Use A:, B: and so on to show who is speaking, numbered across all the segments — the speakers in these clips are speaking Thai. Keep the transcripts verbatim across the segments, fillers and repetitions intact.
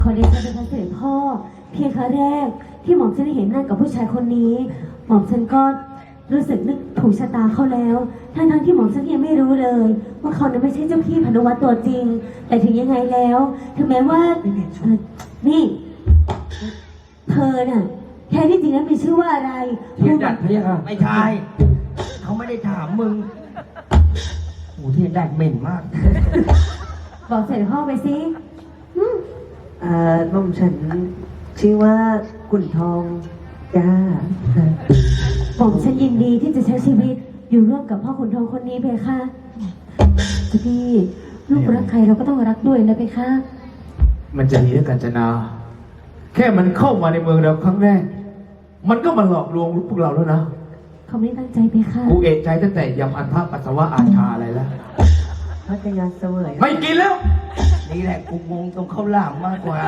A: ขอเดชะเป็นพระเสด็จพ่อเพียงครั้งแรกที่หม่อมฉันได้เห็นหน้ากับผู้ชายคนนี้หม่อมฉันก็รู้สึกนึกถูกชะตาเขาแล้วทั้งทั้งที่หม่อมฉันยังไม่รู้เลยว่าเขานั้นไม่ใช่เจ้าพี่พานุวัตรตัวจริงแต่ถึงยังไงแล้วถึงแม้ว่าเอ่อนี่เธอน่ะแท้ที่จริงแล้วมีชื่อว่าอะไร
B: เทียนดัดพะยะค่ะ
C: ไม่ใช่เขาไม่ได้ถามมึงโอ้ที่ดัดเหม็นมาก
A: บอกเสด็จพ่อไปสิอืม
D: อ่าหม่อมฉันชื่อว่ากุ่นทองจ้า
A: หม่อมฉันยินดีที่จะใช้ชีวิตอยู่ร่วมกับพ่อขุนทองคนนี้เพคะเจ้าพี่ลูกรักใครเราก็ต้องรักด้วยนะเพคะ
B: มันจะดีด้วยกันจนา แค่มันเข้ามาในเมืองเราครั้งแรก มันก็มาหลอกลวงพวกเราแล้วนะ
A: เขาไม่ได้ตั้งใจเพคะ
B: กูเอะใจตั้งแต่ยำอันทะปัสสาวะอาชาอะไรแล้ว
D: พัทยาเสวย
B: ไม่กินแล้ว
C: นี่แหละกูงงตรงข้าวหลามมากกว่า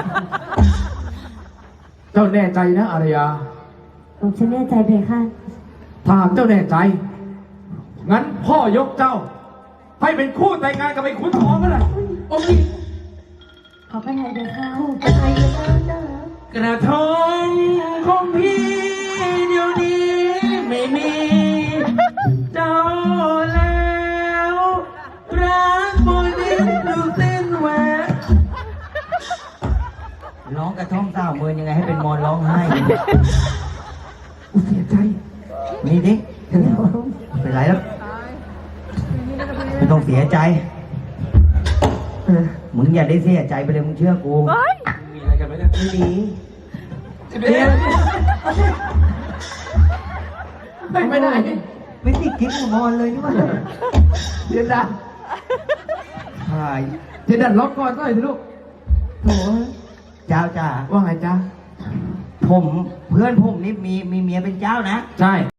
B: เจ้าแน่ใจนะอารยา
A: หม่อมฉันแน่ใจเพคะ
B: ถ้าหากเจ้าแน่ใจ งั้นพ่อยกเจ้า ให้เป็นคู่แต่งงานกับไอ้ขุนทองก็ได้โอ้ย
A: ขอพระทัยเพคะ
D: อะไรกันนะ
B: กระทงของพี่เดี๋ยวนี้ไม่มีเจ้าแล้วรักบนดินดูเส้นแหวก
C: ร้องกระท่อมสาวเมินยังไงให้เป็นมอนร้องไห้
B: กูเสียใจ
C: นี่ดิเป็นไรแล้วไม่ต้องเสียใจ
D: เออ
C: มึงอย่าได้เสียใจไปเลยมึงเชื่อกู
B: มีอะไรกันไหมเนี่ย
D: ไม่ดี
B: เดี๋ยวไม่ไม่ได้
C: ไม่ติดกิ๊กกับมอนเลยนี่วะ
B: เดี๋ยวดัน
C: ใช่
B: เดี๋ยวดันล็อกก่อนหน่อยสิลูก
C: โถเจ้าจ้า
B: ว่าไงจ๊ะ
C: ผมเพื่อนผมนี่มีมีเมียเป็นเจ้านะ
B: ใช่